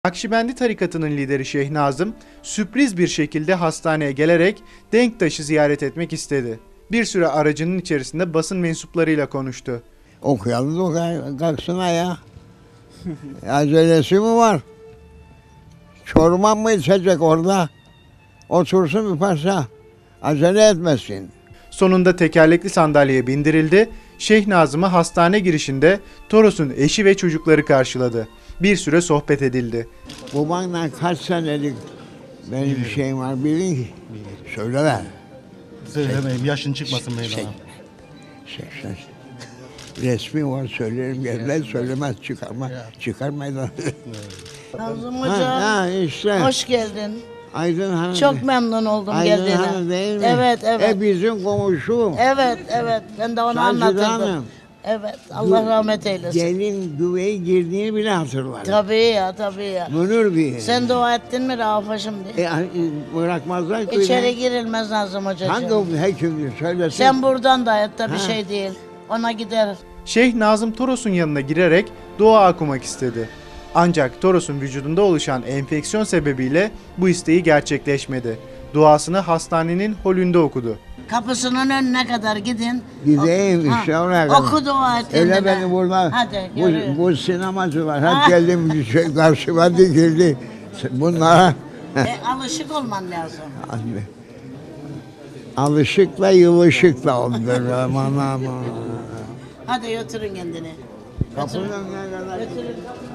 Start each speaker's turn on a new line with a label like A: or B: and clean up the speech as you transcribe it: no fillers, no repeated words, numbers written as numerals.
A: Nakşibendi tarikatının lideri Şeyh Nazım, sürpriz bir şekilde hastaneye gelerek Denktaş'ı ziyaret etmek istedi. Bir süre aracının içerisinde basın mensuplarıyla konuştu.
B: Okuyalım da kalksın ya. Acelesi mi var? Çorman mı içecek orada? Otursun bir parça. Acele etmesin.
A: Sonunda tekerlekli sandalyeye bindirildi. Şeyh Nazım'ı hastane girişinde Toros'un eşi ve çocukları karşıladı. Bir süre sohbet edildi.
B: Babanla kaç senelik benim bir şeyim var bilin ki. Söyle ver.
C: Söylemeyeyim, yaşın çıkmasın meydana.
B: 80. Resmi var söylerim gelmez söylemez çıkar meydana.
D: Nazım Hoca,
B: işte.
D: hoş geldin.
B: Aydın Hanım.
D: Çok memnun oldum
B: Aydın
D: geldiğine.
B: Hanım değil mi?
D: Evet, evet.
B: Bizim komşum.
D: Evet, evet. Ben de onu
B: Sancıda
D: anlatırdım.
B: Hanım.
D: Evet, Allah rahmet eylesin.
B: Gelin güveye girdiğini bile hatırlar.
D: Tabii ya, tabii ya.
B: Münir bir.
D: Sen dua ettin mi Rafaş'ım diye?
B: Bırakmazlar ki.
D: İçeri girilmez Nazım Hocacığım.
B: Hangi hekimdir söylesin.
D: Sen buradan da et de bir
B: Ha.
D: şey değil. Ona gider.
A: Şeyh Nazım Toros'un yanına girerek dua okumak istedi. Ancak Toros'un vücudunda oluşan enfeksiyon sebebiyle bu isteği gerçekleşmedi. Duasını hastanenin holünde okudu.
D: Kapısının önüne kadar gidin.
B: Gideyim
D: Ha,
B: işte oraya kadar.
D: Oku dua et
B: Öyle
D: kendine.
B: beni burada
D: Hadi, görüyorum.
B: bu sinemacılar hep geldim karşıma dikildi. Bunlara
D: Alışık olman lazım.
B: alışıkla yılışıkla oldur aman aman.
D: Hadi götürün kendini.
B: Kapının önüne kadar.
D: Götürün.